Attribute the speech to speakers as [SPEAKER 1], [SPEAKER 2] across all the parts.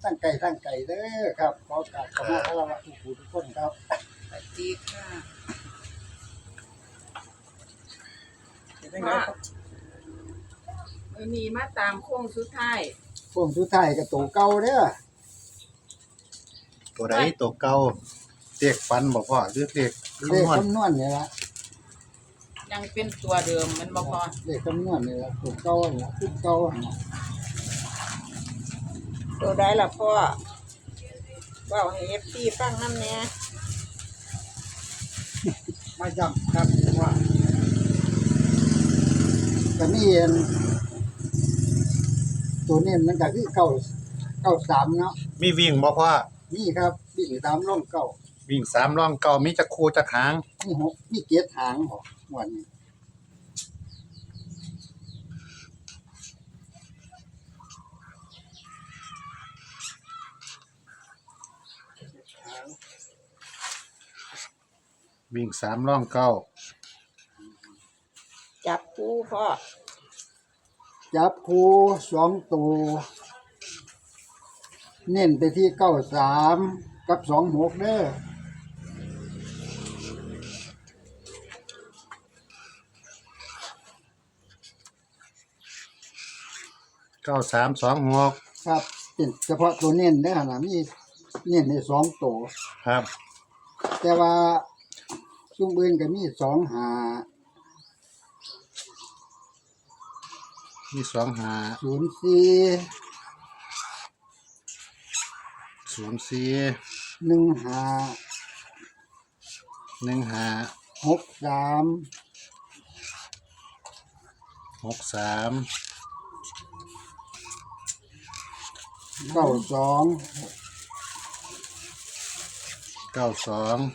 [SPEAKER 1] ตั้งไก่เด้อครับขอกราบขอมาคารวะทุกคนครับ
[SPEAKER 2] สวัสดีค่ะวันนี้มาตามโค้งสุดท้าย
[SPEAKER 1] พวกสุดท้ายก็ตัวเก่าเด้อ
[SPEAKER 3] ตัวใดตัวเก่าเรียกฟันบ่พ่อหรือเรียก
[SPEAKER 1] เลข
[SPEAKER 3] คำนวณ
[SPEAKER 1] คำนวณนี่ละ
[SPEAKER 2] ยังเป็นตัวเดิมมันบ่พอ
[SPEAKER 1] เลขคำนวณนี่ละตัวเก่านี่ละชุดเก่านี่ล่ะ
[SPEAKER 2] ตัวใดล่ะพ่อว่าให้ FC ฟังนำแหน่
[SPEAKER 1] มาย้ำครับว่าก็มีอันตัวนี้มันก็คือ993เนาะ
[SPEAKER 3] มีวิ่งบ่พ่อ
[SPEAKER 1] นี่ครับวิ่งตามร่องเก่า
[SPEAKER 3] วิ่ง3ร่องเก่ามีจักคู่จักหาง
[SPEAKER 1] มีเกียรหางบ่วันนี้
[SPEAKER 3] วิ่ง3ร่องเก่า
[SPEAKER 2] จับคู่พ่อ
[SPEAKER 1] จับคู่2ตัวเน้นไปที่93กับ26เด้อ
[SPEAKER 3] 9326
[SPEAKER 1] ครับเป็นเฉพาะตัวเน้นเด้อนะมีเน้นใน2ตัว
[SPEAKER 3] ครับ
[SPEAKER 1] แต่ว่าซุ่มอื่นก็มี2หา
[SPEAKER 3] มี25
[SPEAKER 1] 04
[SPEAKER 3] 04
[SPEAKER 1] 1หา
[SPEAKER 3] 15
[SPEAKER 1] 63
[SPEAKER 3] 63
[SPEAKER 1] 92
[SPEAKER 3] 92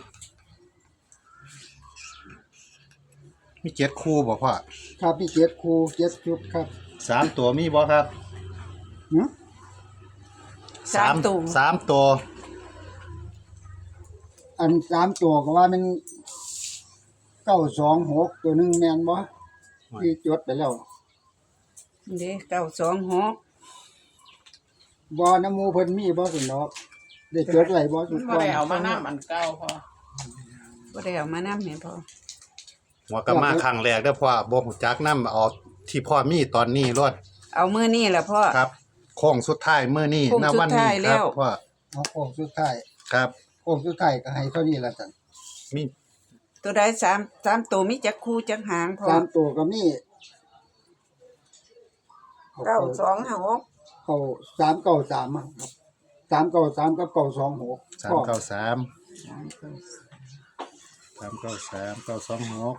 [SPEAKER 3] มี7คู่บ่พ่อ
[SPEAKER 1] ครับมี7คู่7ชุดครับ
[SPEAKER 3] 3ตัวมีบ่ครับ
[SPEAKER 1] หึ
[SPEAKER 3] 3ตัว
[SPEAKER 1] อัน3ตัวก็ว่ามัน926ตัวหนึงแม่นบ่ที่จดไปแล้ว
[SPEAKER 2] เด้926
[SPEAKER 1] บ่น้ำหมู่เพิ่นมีบ่สิเนาะได้จดไว้บ่ทุกคน
[SPEAKER 2] บ่ได้เอามานำอันเก่าพ่อบ่ได้เอามานำแม่พ่อ
[SPEAKER 3] หัวก็มาครั้งแรกเด้อพ่อบ่ฮู้จักนำเอาที่พ่อมีตอนนี้รวด
[SPEAKER 2] เอามื้อนี้ล่ะพ่อ
[SPEAKER 3] ครับโค้งสุดท้ายมื้อนี้
[SPEAKER 2] โค้ง
[SPEAKER 3] ณ
[SPEAKER 2] สุด
[SPEAKER 3] วันนี้
[SPEAKER 2] ท้าย
[SPEAKER 3] ค
[SPEAKER 2] แล้
[SPEAKER 3] รับ
[SPEAKER 2] ว
[SPEAKER 3] พ่อ
[SPEAKER 1] เอาโค้งสุดท้าย
[SPEAKER 3] ครับ
[SPEAKER 1] โค้งสุดท้ายก็ให้เท่านี้ละกัน
[SPEAKER 3] มี
[SPEAKER 2] ตัวใด3ตัวมีจักคู่จักหางพ่อ
[SPEAKER 1] 3ตัวก็มี
[SPEAKER 2] 926
[SPEAKER 1] เข้า393อะครับ393กับ926
[SPEAKER 3] 393 393 926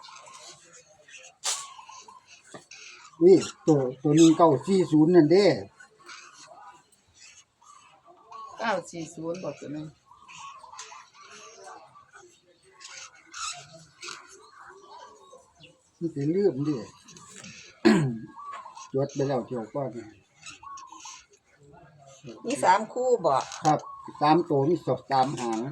[SPEAKER 1] วิตัวนึง940นั่นเด้
[SPEAKER 2] 940บ่ตัวนึง
[SPEAKER 1] มันสิลืมดิ จดไปแล้วเที่ยวก่อน
[SPEAKER 2] มี3คู่บ่
[SPEAKER 1] ครับ3ตัวมี3หาง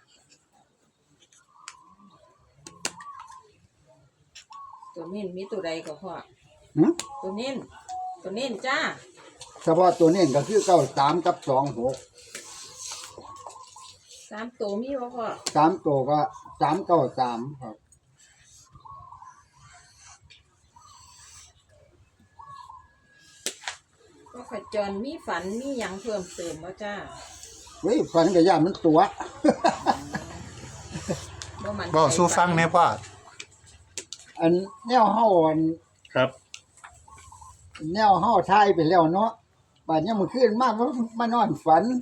[SPEAKER 2] ตัวนี้มีตัวใดก็พ่อ
[SPEAKER 1] หึ
[SPEAKER 2] ตัวนี้จ้า
[SPEAKER 1] เฉพาะตัวนี้ก็คือ93กับ26
[SPEAKER 2] 3ตัวมีบ่พ่อ
[SPEAKER 1] 3ตัวก็393ครับ
[SPEAKER 2] ก็ขจรมีฝันมีหยังเพิ่มเติมบ่จ้า
[SPEAKER 1] เฮ้ยฝันก็ย่านมันตัว
[SPEAKER 2] บ่มัน
[SPEAKER 3] บ่สู้ฟังแหน่พ่อ
[SPEAKER 1] อันแนวเฮาอัน
[SPEAKER 3] ครับ
[SPEAKER 1] แนวเฮาทายไปแล้วเนาะบัดนี้มื้อคืนมานอนฝัน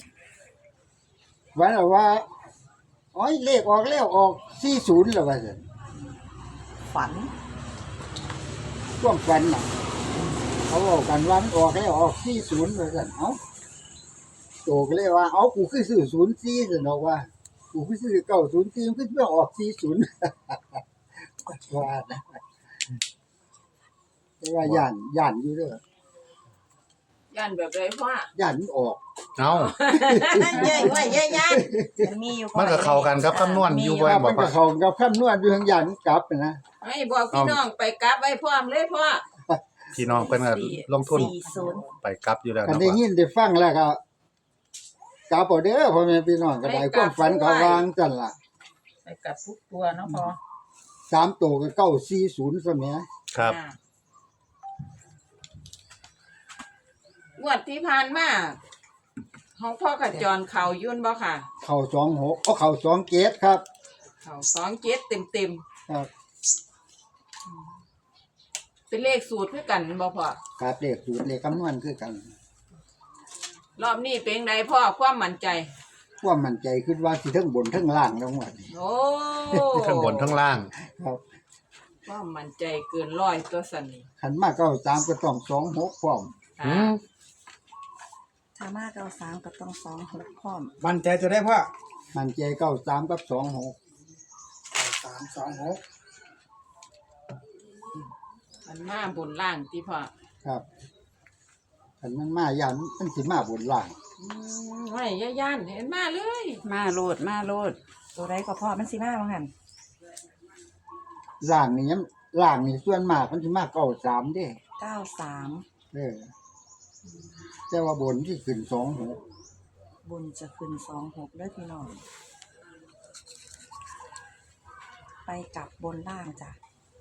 [SPEAKER 1] ว่าโอ้ยเลขออกแล้วออก40แล้วว่าซั่น
[SPEAKER 2] ฝัน
[SPEAKER 1] ช่วงฝันน่ะเขาบอกกันว่ามันออกแล้วออก40ว่าซั่นเอ้าโตก็เลยว่าเอ้ากูคือซื้อ04ซั่นเนาะว่ากูคือซื้อ904มันคือออก40 ว่านะแต่ว่าย่านอยู่เด้อย่
[SPEAKER 2] านแบบใดพ่อย่
[SPEAKER 1] านมันออก
[SPEAKER 3] เอ้า
[SPEAKER 2] ใหญ่ไว้ใหญ่ย่านมันมีอยู่
[SPEAKER 3] มันก็เข้ากันกับคำนวณอยู่บ่
[SPEAKER 1] ว่า
[SPEAKER 3] บ่
[SPEAKER 1] มัน
[SPEAKER 3] พ่
[SPEAKER 1] ก็
[SPEAKER 3] อ
[SPEAKER 1] เข้ากับคำนวณอยู่ทางย่านมันกลับนะ
[SPEAKER 2] ให้บอกพี่น้องไปกลับไว้พร้อมเลยพ่อ
[SPEAKER 3] พี่น้องเพิ่นก็ลงทุนไปกลับอยู่แล้ว
[SPEAKER 1] กัน
[SPEAKER 3] เนาะ
[SPEAKER 1] ได้
[SPEAKER 3] พ่อ
[SPEAKER 1] ยินได้ฟังแล้วก็กลับเอาเด้อพ่อแม่พี่น้องก็ได้ความฝันก็วางจังล่ะ
[SPEAKER 2] ไปกลับทุกตัวเนาะพอ
[SPEAKER 1] 3ตัวก็940ซะแหม
[SPEAKER 3] ครับ
[SPEAKER 2] งวดที่ผ่านมาของพ่อกับจรเขายุ่นบ่ค่ะ
[SPEAKER 1] เข้า26เอาเข้า27ครับ
[SPEAKER 2] เขา27เต็ม
[SPEAKER 1] ครับ
[SPEAKER 2] ๆเป็นเลขสูตรคือกันบ่พ่อ
[SPEAKER 1] ครับเลขสูตรเลขคำนวณคือกัน
[SPEAKER 2] รอบนี้เป็นไงพ่อความมั่นใจ
[SPEAKER 1] ความมั่นใจคิดว่าสิเทั้งบนเทั้งล่างแล้วว่านี่
[SPEAKER 2] โอ้
[SPEAKER 3] ทั้งบนทั้งล่าง
[SPEAKER 1] ครับ
[SPEAKER 2] ความมั่นใจเกินร้อยตัวสันนี่
[SPEAKER 1] คันมา93ก็ต้อง26พร้อม
[SPEAKER 3] อืม
[SPEAKER 4] ถ้ามากเอา3ก็ต้อง2 6พร้อม
[SPEAKER 5] มั่นใจจะได้พ่อ
[SPEAKER 1] มั่นใจ93กับ26
[SPEAKER 5] 326
[SPEAKER 2] มันมาบนล่างที่พ่อ
[SPEAKER 1] ครับคันมันมาย่านมันสิมาบนล่าง
[SPEAKER 2] ไม่ย่านเห็นมาเลย
[SPEAKER 4] มาโลดตัวใดก็พอมันสิมาว่างั้น
[SPEAKER 1] ล่างนี่ยังล่างนี่ส่วนมากมันสิมา93เด้
[SPEAKER 4] 93
[SPEAKER 1] เด้อแต่ว่าบนที่ขึ้น26
[SPEAKER 4] บนจะขึ้น26เด้อพี่น้องไปกลับบนล่างจ้ะ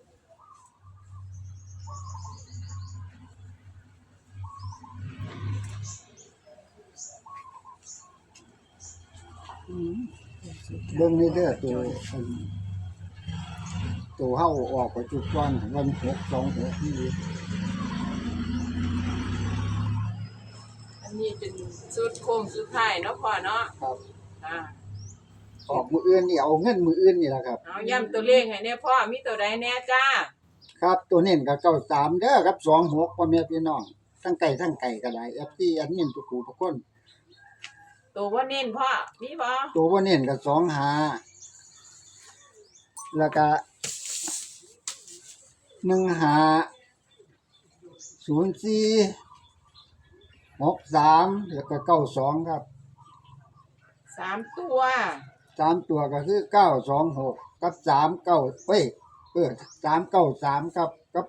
[SPEAKER 1] เบิ่งนี่เด้อตัวเฮาออกไปจุดก่อนวัน626นี่
[SPEAKER 2] อันนี้เป็นสุดโค้งสุดท้ายเนาะพ่อเนาะ
[SPEAKER 1] ครับ
[SPEAKER 2] อ่า
[SPEAKER 1] ออกมืออื่นนี่เอาเงินมืออื่นนี่แหละครับ
[SPEAKER 2] เอาย้ำตัวเลขให้เนี่ยพ่อมีตัวใดแน่จ้า
[SPEAKER 1] ครับตัวเน้นก็93เด้อครับ26พ่อแม่พี่น้องทั้งไก่ก็ได้ FT อันนี้ทุกผู้ทุกคน
[SPEAKER 2] ตัวว่าเน้นพ่อมีบ่
[SPEAKER 1] ตัวบ่เน้นก็25แล้วก็1504 63แล้วก็92ครับ
[SPEAKER 2] 3ตัว
[SPEAKER 1] 3ตัวก็คือ926กับ39393ครับกับ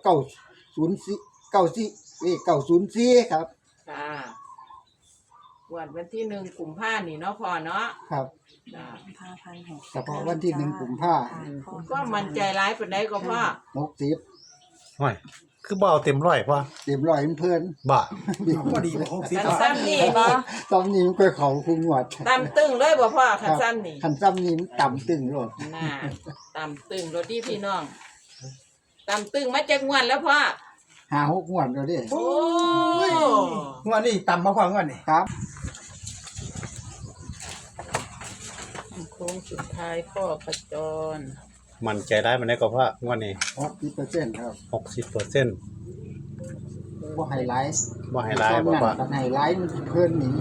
[SPEAKER 1] 904ครับ
[SPEAKER 2] ค่ะวันที่1กุมภาพันธ์นี่เนาะพ่อเนาะ
[SPEAKER 1] ครับ
[SPEAKER 2] จ้า
[SPEAKER 1] เฉพาะวันที่1กุมภาพันธ์
[SPEAKER 2] ก็มั่นใจหลายปานใดก็พ่อ
[SPEAKER 1] 60
[SPEAKER 3] ห่วยคือบ่เอาเต็มร้อยพ่อ
[SPEAKER 1] เต็มร้อยเพิ่น
[SPEAKER 3] บ่
[SPEAKER 5] พอดีเลย60
[SPEAKER 2] คัน
[SPEAKER 5] พ่อ
[SPEAKER 2] ซ้ำนี่นี่
[SPEAKER 1] ตอนนี้มันค่อยเข้าคุงวด
[SPEAKER 2] ตำตึงเลยบ่พ่อคันซ้ำนี่
[SPEAKER 1] คันซ้ำนี้มันต่ำตึงโลด
[SPEAKER 2] น่าตำตึงรถดีพี่น้องตำตึงมาจากงวดแล้วพ่อ
[SPEAKER 1] 5-6งวดแล้วเด้
[SPEAKER 2] โอ้
[SPEAKER 5] งวดนี้ต่ำมาพ่องวดนี้
[SPEAKER 1] ครับ
[SPEAKER 2] โค้งสุดท้ายพ่อประจร
[SPEAKER 3] มั่นใจได้มันได้ก็พ่องวดนี้
[SPEAKER 1] 60%ครับ
[SPEAKER 3] 60%
[SPEAKER 1] บ่ไฮไลท์
[SPEAKER 3] บ่ให้หลายบ่พ่อ
[SPEAKER 1] คันไฮไลท์มันสิเพิ่นหนี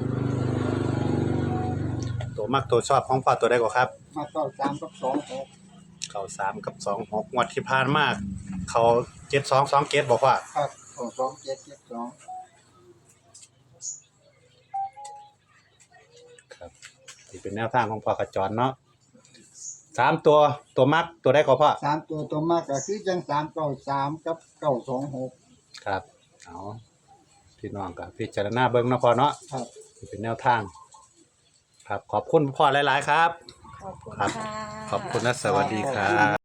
[SPEAKER 3] ตัวมักตัวชอบของพ่อตัวใดก็ครับ
[SPEAKER 1] มา93กับ26
[SPEAKER 3] เข้า3กับ26งวดที่ผ่านมาเขา7227บ่พ่อ
[SPEAKER 1] ครับ2772
[SPEAKER 3] ครับนี่เป็นแนวทางของพ่อกระจรเนาะ3ตัวมักตัวใดก็พ่อ
[SPEAKER 1] 3ตัวมากก็คือจัง393กับ926
[SPEAKER 3] ครับเอาพี่น้องก็พิจารณาเบิ่งเนาะพ่อเนาะ
[SPEAKER 1] ครับ
[SPEAKER 3] นี่เป็นแนวทาง ครับขอบคุณพ่อหลายๆครับ
[SPEAKER 4] ขอบคุณ
[SPEAKER 3] ครับ
[SPEAKER 4] ค่ะ
[SPEAKER 3] ขอบคุณและสวัสดีครับ